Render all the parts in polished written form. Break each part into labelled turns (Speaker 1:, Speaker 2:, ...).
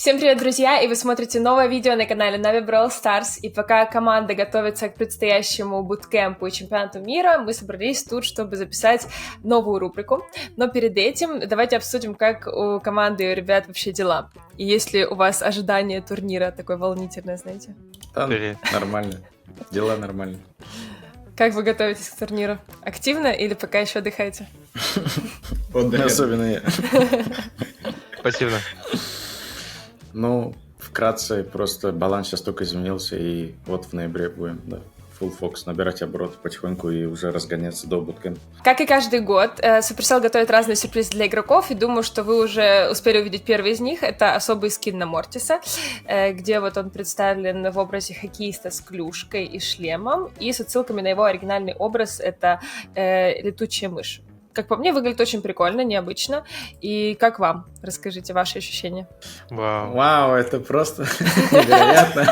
Speaker 1: Всем привет, друзья, и вы смотрите новое видео на канале Navi Brawl Stars, и пока команда готовится к предстоящему буткемпу и чемпионату мира, мы собрались тут, чтобы записать новую рубрику, но перед этим давайте обсудим, как у команды и у ребят вообще дела, и есть ли у вас ожидание турнира такое волнительное, знаете?
Speaker 2: Да, нормально, дела нормально.
Speaker 1: Как вы готовитесь к турниру? Активно или пока еще отдыхаете?
Speaker 2: Особенно я.
Speaker 3: Спасибо.
Speaker 2: Ну, вкратце, просто баланс сейчас только изменился, и вот в ноябре будем, да, full focus, набирать обороты потихоньку и уже разгоняться до буткемпа.
Speaker 1: Как и каждый год, Supercell готовит разные сюрпризы для игроков, и думаю, что вы уже успели увидеть первый из них. Это особый скин на Мортиса, где вот он представлен в образе хоккеиста с клюшкой и шлемом, и с отсылками на его оригинальный образ — это летучая мышь. Как по мне, выглядит очень прикольно, необычно. И как вам? Расскажите ваши ощущения.
Speaker 2: Вау, это просто невероятно.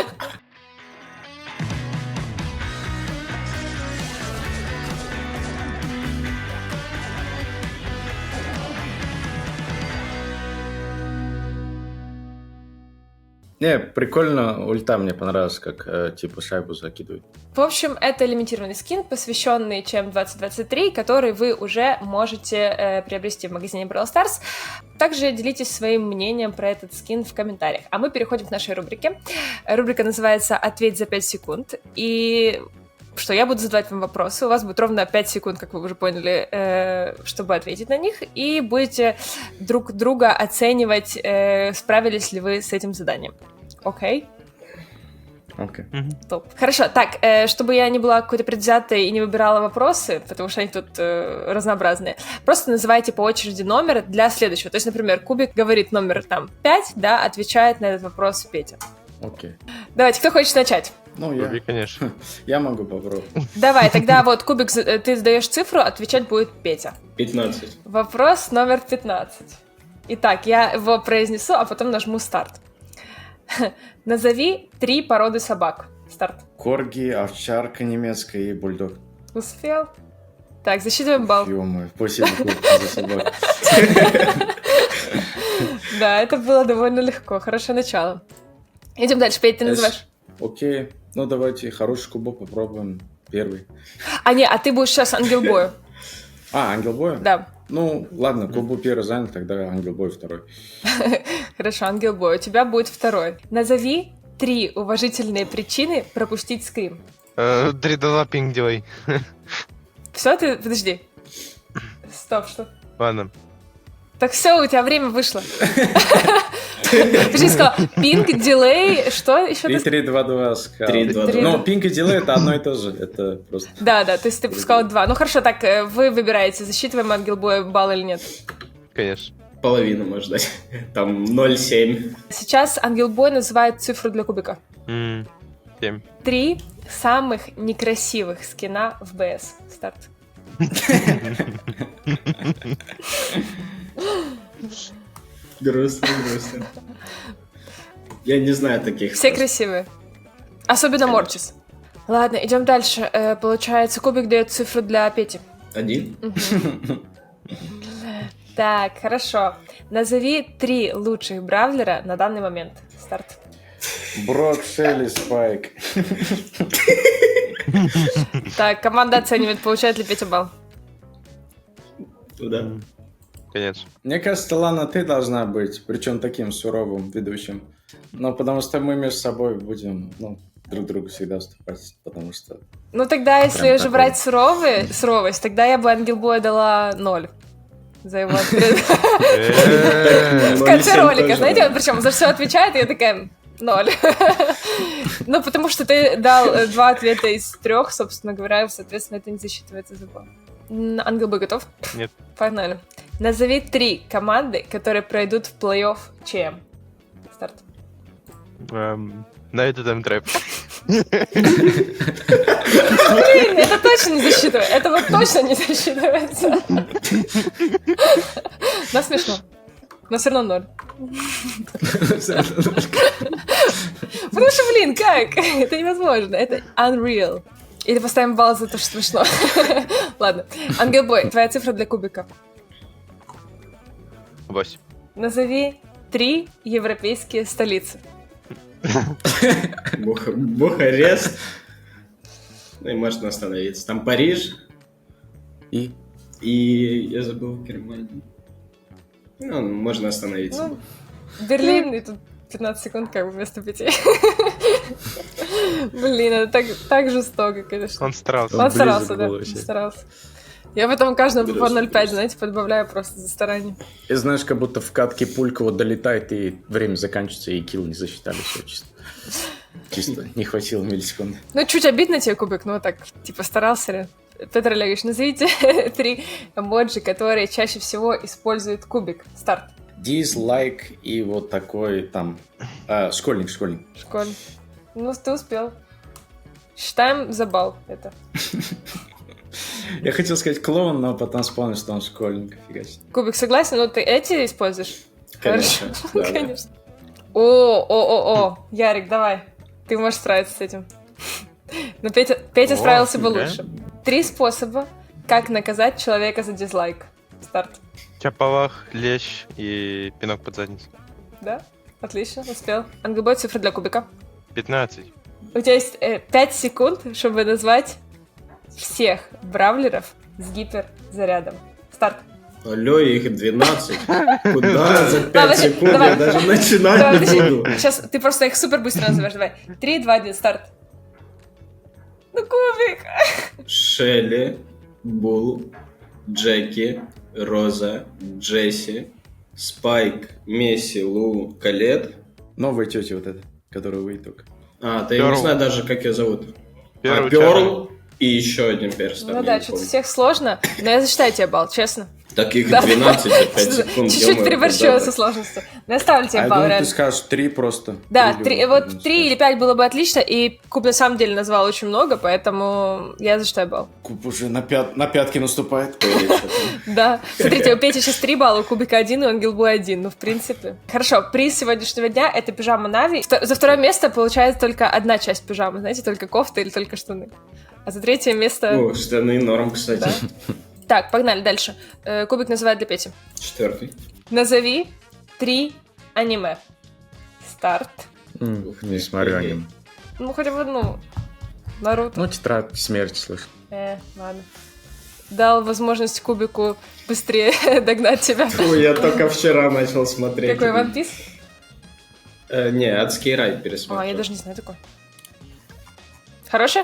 Speaker 2: Не, прикольно, ульта мне понравилась, как типа шайбу закидывает.
Speaker 1: В общем, это лимитированный скин, посвященный ЧМ 2023, который вы уже можете приобрести в магазине Brawl Stars. Также делитесь своим мнением про этот скин в комментариях. А мы переходим к нашей рубрике. Рубрика называется «Ответь за 5 секунд». И что я буду задавать вам вопросы. У вас будет ровно 5 секунд, как вы уже поняли, чтобы ответить на них. И будете друг друга оценивать, справились ли вы с этим заданием. Окей?
Speaker 2: Окей.
Speaker 1: Топ. Хорошо, так, чтобы я не была какой-то предвзятой и не выбирала вопросы, потому что они тут разнообразные, просто называйте по очереди номер для следующего. То есть, например, Кубик говорит номер там 5, да, отвечает на этот вопрос Петя.
Speaker 2: Окей.
Speaker 1: Давайте, кто хочет начать?
Speaker 2: Ну, я.
Speaker 3: Кубик, конечно.
Speaker 2: Я могу попробовать.
Speaker 1: Давай, тогда вот, Кубик, ты задаешь цифру, отвечать будет Петя.
Speaker 4: 15.
Speaker 1: Вопрос номер 15. Итак, я его произнесу, а потом нажму старт. Назови 3 породы собак. Старт.
Speaker 2: Корги, овчарка немецкая и бульдог.
Speaker 1: Успел? Так, засчитываем балл.
Speaker 2: Ё-моё, спасибо за собак.
Speaker 1: Да, это было довольно легко. Хорошее начало. Идем дальше. Петь, ты называешь.
Speaker 2: Окей. Ну, давайте хороший кубок попробуем. Первый.
Speaker 1: А ты будешь сейчас ангелбою.
Speaker 2: Ангелбой?
Speaker 1: Да.
Speaker 2: Ну, ладно, кубок первый занят, тогда ангелбой второй.
Speaker 1: Хорошо, ангелбой. У тебя будет второй. Назови 3 уважительные причины пропустить скрим.
Speaker 3: 3-2 пинг делай.
Speaker 1: Все, ты... Подожди. Стоп, что?
Speaker 3: Ладно.
Speaker 1: Так все, у тебя время вышло. Ты сказал пинг, дилей, что еще?
Speaker 2: 3-2-2 сказал.
Speaker 4: 3-2-2.
Speaker 2: Ну, пинг и дилей это одно и то же. Это просто...
Speaker 1: Да, то есть ты сказал 2. Ну хорошо, так, вы выбираете, засчитываем ангелбой балл или нет.
Speaker 3: Конечно.
Speaker 4: Половину можно дать. Там 0,7.
Speaker 1: Сейчас ангелбой называет цифру для кубика.
Speaker 3: 7.
Speaker 1: 3 самых некрасивых скина в БС. Старт.
Speaker 4: Грустно. Я не знаю таких.
Speaker 1: Все красивые. Особенно Мортис. Ладно, идем дальше. Получается, Кубик дает цифру для Пети.
Speaker 4: 1.
Speaker 1: Так, хорошо. Назови 3 лучших бравлера на данный момент. Старт.
Speaker 2: Брок, Шелли, Спайк.
Speaker 1: Так, команда оценивает, получает ли Петя балл.
Speaker 4: Туда.
Speaker 3: Конечно.
Speaker 2: Мне кажется, Лана, ты должна быть, причем таким суровым ведущим. Ну, потому что мы между собой будем, друг другу всегда уступать, потому что...
Speaker 1: Ну, тогда, если
Speaker 2: Прям
Speaker 1: уже
Speaker 2: такой.
Speaker 1: брать суровость, тогда я бы ангелбою дала 0. За его ответ. В конце ролика, знаете, он причем за все отвечает, и я такая 0. Ну, потому что ты дал 2 ответа из 3, собственно говоря, соответственно, это не засчитывается за балл. Ангелбой готов?
Speaker 3: Нет.
Speaker 1: Погнали. Назови 3 команды, которые пройдут в плей-офф ЧМ. Старт.
Speaker 3: На это там трэп.
Speaker 1: Блин, это точно не засчитывается. Это вот точно не засчитывается. Но смешно. Но все равно 0. Потому что, блин, как? Это невозможно. Это unreal. Или поставим балл за то, что смешно. Ладно. Ангелбой, твоя цифра для кубика.
Speaker 3: 8.
Speaker 1: Назови 3 европейские столицы.
Speaker 4: Бухарест. Ну и можно остановиться. Там Париж
Speaker 2: И
Speaker 4: и... Я забыл Германию. Ну, можно остановиться.
Speaker 1: Ну, Берлин, и тут 15 секунд как бы вместо 5. Блин, это так жестоко, конечно.
Speaker 3: Он старался.
Speaker 1: Он старался,
Speaker 2: близок
Speaker 1: да,
Speaker 2: был вообще.
Speaker 1: старался. Я потом каждому по
Speaker 4: Грустно,
Speaker 1: 0,5,
Speaker 4: грустно.
Speaker 1: знаете, подбавляю просто за старание.
Speaker 2: И знаешь, как будто в катке пулька вот долетает, и время заканчивается, и килл не засчитали. Все чисто. Чисто не хватило миллисекунды.
Speaker 1: Ну, чуть обидно тебе, Кубик, но так, типа, старался ли? Петр Олегович, назовите 3 эмоджи, которые чаще всего использует Кубик. Старт.
Speaker 2: Дизлайк и вот такой там... школьник.
Speaker 1: Школе. Ну, ты успел. Считаем за балл это.
Speaker 2: Я хотел сказать клоун, но потом вспомнил, что он школьник. Фига себе.
Speaker 1: Кубик, согласен? Ну, ты эти используешь?
Speaker 4: Конечно.
Speaker 1: Хорошо.
Speaker 4: Да, да.
Speaker 1: Конечно. О. Ярик, давай. Ты можешь справиться с этим. Но Петя
Speaker 3: О,
Speaker 1: справился бы
Speaker 3: да?
Speaker 1: лучше. 3 способа, как наказать человека за дизлайк. Старт.
Speaker 3: Чапалах, лещ и пинок под задницу.
Speaker 1: Да? Отлично, успел. ангбой, цифры для Кубика.
Speaker 3: 15.
Speaker 1: У тебя есть 5 секунд, чтобы назвать всех бравлеров с гиперзарядом. Старт.
Speaker 4: Алло, их 12. Куда за 5
Speaker 1: Ладно,
Speaker 4: секунд
Speaker 1: давай.
Speaker 4: я даже начинать
Speaker 1: Давай,
Speaker 4: не
Speaker 1: подожди.
Speaker 4: буду.
Speaker 1: Сейчас ты просто их супер быстро называешь. Давай. 3, 2, 1, старт. Ну, Кубик.
Speaker 4: Шелли, Бул, Джеки, Роза, Джесси, Спайк, Месси, Лу, Калет.
Speaker 2: Новая тетя вот эта, которую вы только.
Speaker 4: А, ты
Speaker 3: Перл.
Speaker 4: не знаю даже, как ее зовут.
Speaker 3: Первый
Speaker 4: Перл и еще один перс. там,
Speaker 1: Ну
Speaker 4: я
Speaker 1: да,
Speaker 4: не
Speaker 1: что-то
Speaker 4: помню.
Speaker 1: всех сложно, но я засчитаю тебе балл, честно.
Speaker 4: Таких
Speaker 1: Да.
Speaker 4: 12 за 5 секунд.
Speaker 1: Чуть-чуть
Speaker 4: ё-моё,
Speaker 1: переборщила
Speaker 4: куда
Speaker 1: со
Speaker 4: так?
Speaker 1: сложностью. Но я ставлю тебе
Speaker 2: А я
Speaker 1: балл,
Speaker 2: думал, ты
Speaker 1: реально.
Speaker 2: скажешь 3 просто.
Speaker 1: Да,
Speaker 2: Или
Speaker 1: 3,
Speaker 2: вот
Speaker 1: вот 3 или 5 было бы отлично, и Куб на самом деле назвал очень много, поэтому я засчитаю балл.
Speaker 2: Куб уже на пятки наступает.
Speaker 4: Или что-то.
Speaker 1: Да. Смотрите, у Пети сейчас 3 балла, у Кубика 1, и у Ангелбой 1. Ну, в принципе. Хорошо, приз сегодняшнего дня — это пижама Нави. За второе место получается только одна часть пижамы, знаете, только кофта или только штаны. А за третье место...
Speaker 4: Ну, штаны норм, кстати.
Speaker 1: Да. Так, погнали дальше. Кубик называет для Пети.
Speaker 4: 4.
Speaker 1: Назови 3 аниме. Старт.
Speaker 2: Не смотрю аниме.
Speaker 1: Ну, хотя бы одну. Наруто.
Speaker 2: Ну, тетрадь смерти, слышь.
Speaker 1: Ладно. Дал возможность Кубику быстрее догнать тебя.
Speaker 4: Фу, я только вчера начал смотреть.
Speaker 1: Какой One Piece?
Speaker 4: Не, адский рай
Speaker 1: А,
Speaker 4: пересмотрел.
Speaker 1: я даже не знаю такой. Хороший?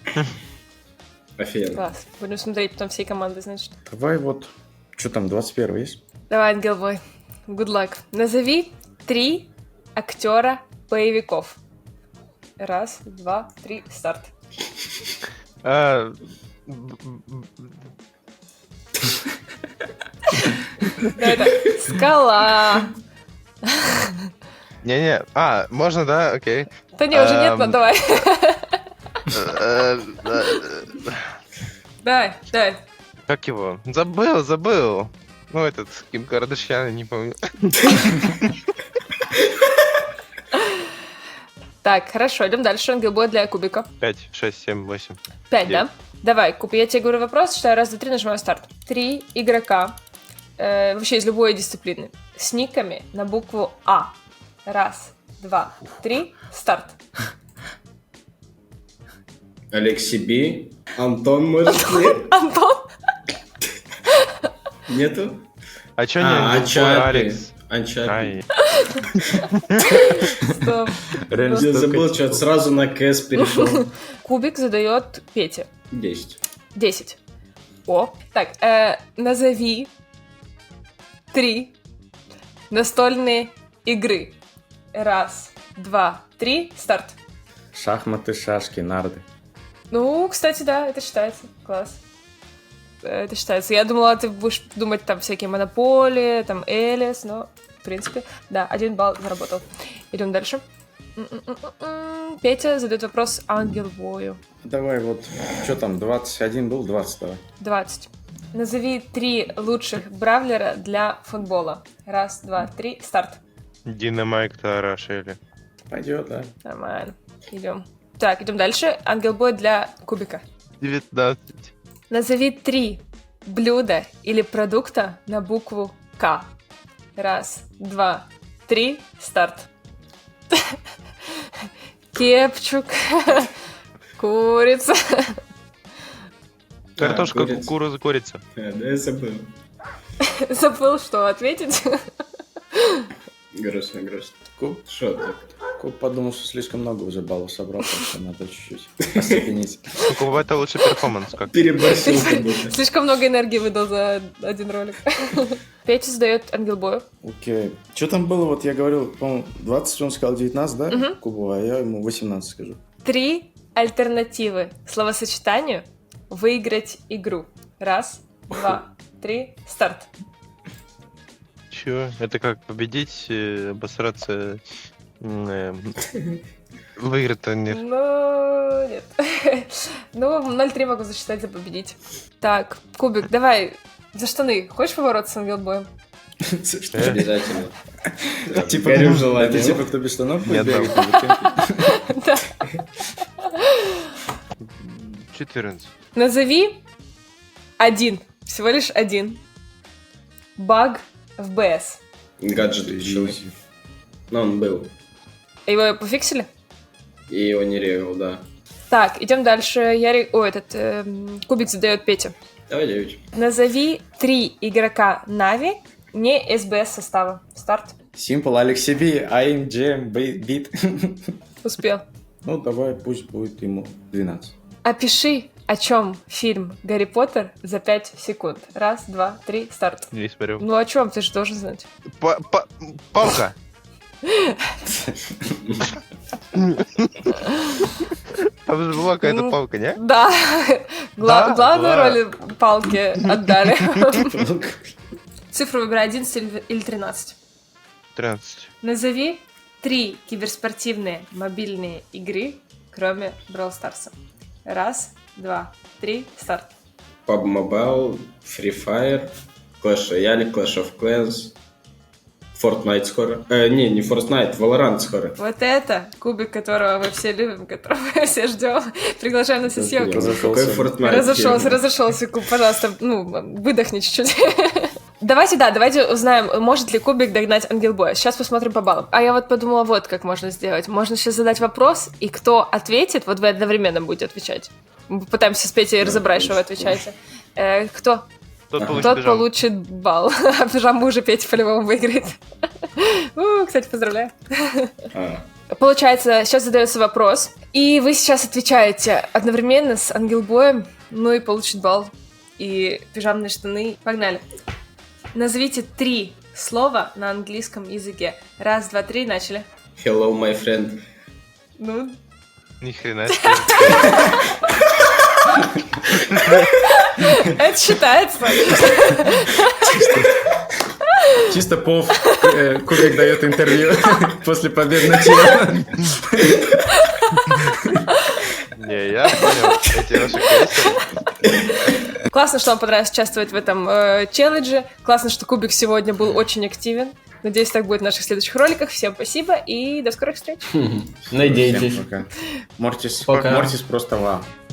Speaker 4: Офигенно.
Speaker 1: Класс. Будем смотреть потом всей командой, значит.
Speaker 2: Давай вот... Что там, 21 есть?
Speaker 1: Давай, Ангелбой. Good luck. Назови 3 актера боевиков. 1, 2, 3, старт.
Speaker 3: А,
Speaker 1: Да, это Скала.
Speaker 3: Не-не. А, можно, да? Окей.
Speaker 1: Да не, уже нет, но давай.
Speaker 3: Э,
Speaker 1: Давай.
Speaker 3: Как его? Забыл. Ну, этот, Ким Кардашьян, не помню.
Speaker 1: Так, хорошо, идем дальше. Ангелбой для Кубика.
Speaker 3: 5, 6, 7, 8.
Speaker 1: 5, да?
Speaker 3: Девять.
Speaker 1: Давай, Куб, я тебе говорю вопрос, считаю 1, 2, 3, нажимаю старт. 3 игрока, вообще из любой дисциплины, с никами на букву А. 1, 2, 3, старт.
Speaker 4: Алексей Би. Антон, может, нет?
Speaker 1: Антон?
Speaker 4: Нету?
Speaker 3: А чё не
Speaker 4: Ачапи.
Speaker 3: Алекс?
Speaker 4: Ачапи.
Speaker 3: Ай,
Speaker 1: Стоп.
Speaker 2: Реально
Speaker 4: Я
Speaker 2: столько
Speaker 4: забыл,
Speaker 2: типов.
Speaker 4: что-то сразу на КС перешел.
Speaker 1: Кубик задает Пете.
Speaker 4: 10.
Speaker 1: 10. О. Так, назови 3 настольные игры. 1, 2, 3, старт.
Speaker 2: Шахматы, шашки, нарды.
Speaker 1: Ну, кстати, да, это считается. Класс. Это считается. Я думала, ты будешь думать там всякие монополии, там Элис, но, в принципе, да, 1 балл заработал. Идем дальше. Петя задает вопрос Ангелбою.
Speaker 2: Давай вот, что там, 21 был, 20 давай.
Speaker 1: 20. Назови 3 лучших бравлера для футбола. 1, 2, 3, старт.
Speaker 3: Дина Майк, Тара, Шелли.
Speaker 2: Пойдет, да.
Speaker 1: Нормально. Идем. Так, идем дальше. Ангелбой для Кубика.
Speaker 3: 19.
Speaker 1: Назови 3 блюда или продукта на букву К. 1, 2, 3, старт. Кепчук. Курица.
Speaker 3: Картошка,
Speaker 4: курица.
Speaker 3: кукуруза, курица.
Speaker 4: Да, я забыл.
Speaker 1: Забыл, что ответить.
Speaker 4: Грустно.
Speaker 2: Куб,
Speaker 4: Что так?
Speaker 2: Куб подумал, что слишком много уже баллов собрал, так что надо чуть-чуть остепенить.
Speaker 3: Куба, это лучший перформанс. Как?
Speaker 4: Переборщил как будто.
Speaker 1: Слишком много энергии выдал за один ролик. Петя задает ангелбою.
Speaker 2: Окей. Что там было? Вот я говорил, по-моему, 20, он сказал 19, да? Кубу, а я ему 18 скажу.
Speaker 1: 3 альтернативы словосочетанию «выиграть игру». 1, 2, 3, старт.
Speaker 3: Чё? Это как победить, обосраться, выиграть-то нет.
Speaker 1: Ну, нет. Ну, 0-3 могу засчитать за победить. Так, Кубик, давай за штаны. Хочешь побороться с ангелбоем?
Speaker 4: Обязательно.
Speaker 2: Типа,
Speaker 4: Горю
Speaker 2: это
Speaker 4: желанием.
Speaker 2: типа, кто без штанов
Speaker 3: Нет,
Speaker 2: будет бегать?
Speaker 1: Да.
Speaker 3: 14.
Speaker 1: Назови один, всего лишь один баг в БС.
Speaker 4: Гаджет ключевой. Но он был.
Speaker 1: Его пофиксили?
Speaker 4: И его не ревел, да.
Speaker 1: Так, идем дальше. Кубик задает Пете.
Speaker 4: Давай, 9.
Speaker 1: Назови 3 игрока Нави не СБС состава. Старт.
Speaker 2: Simple, Alex CB, I'm Jam, Beat.
Speaker 1: Успел.
Speaker 2: Ну, давай, пусть будет ему 12.
Speaker 1: Опиши, о чем фильм «Гарри Поттер» за 5 секунд. 1, 2, 3, старт.
Speaker 3: Не смотрю.
Speaker 1: Ну о чем? Ты же должен знать.
Speaker 3: Палка! Там же была какая-то палка, не?
Speaker 1: Да.
Speaker 3: Да?
Speaker 1: Главную
Speaker 3: Была.
Speaker 1: роль палки отдали. Цифру выбирай 11 или 13.
Speaker 3: 13.
Speaker 1: Назови 3 киберспортивные мобильные игры, кроме Brawl Stars. 1, 2, 3, старт.
Speaker 4: PUBG Mobile, Free Fire, Clash Royale, Clash of Clans, Fortnite скоро. Не Fortnite, Valorant скоро.
Speaker 1: Вот это кубик, которого мы все любим, которого мы все ждем. Приглашаем на все съемки.
Speaker 2: Разошелся.
Speaker 4: Какой Fortnite?
Speaker 1: Разошелся, Куб, пожалуйста, выдохни чуть-чуть. Давайте узнаем, может ли Кубик догнать Ангелбоя. Сейчас посмотрим по баллам. А я вот подумала, вот как можно сделать. Можно сейчас задать вопрос, и кто ответит, вот вы одновременно будете отвечать. Мы попытаемся с Петей разобрать, что вы отвечаете. Кто? Тот получит балл. А пижаму уже Петя по-любому выиграет. Кстати, поздравляю. Получается, сейчас задается вопрос, и вы сейчас отвечаете одновременно с Ангелбоем, ну и получит балл. И пижамные штаны. Погнали. Назовите 3 слова на английском языке. 1, 2, 3, начали.
Speaker 4: Hello, my friend.
Speaker 1: Ну,
Speaker 3: Ни хрена.
Speaker 1: это считается.
Speaker 2: Чисто Кубик дает интервью после победного чела.
Speaker 3: Не, я понял. Эти ваши кейсы.
Speaker 1: Классно, что вам понравилось участвовать в этом челлендже. Классно, что Кубик сегодня был очень активен. Надеюсь, так будет в наших следующих роликах. Всем спасибо и до скорых встреч.
Speaker 4: Надейтесь.
Speaker 2: Всем пока. Мортис
Speaker 4: Пока.
Speaker 2: Мортис просто вау.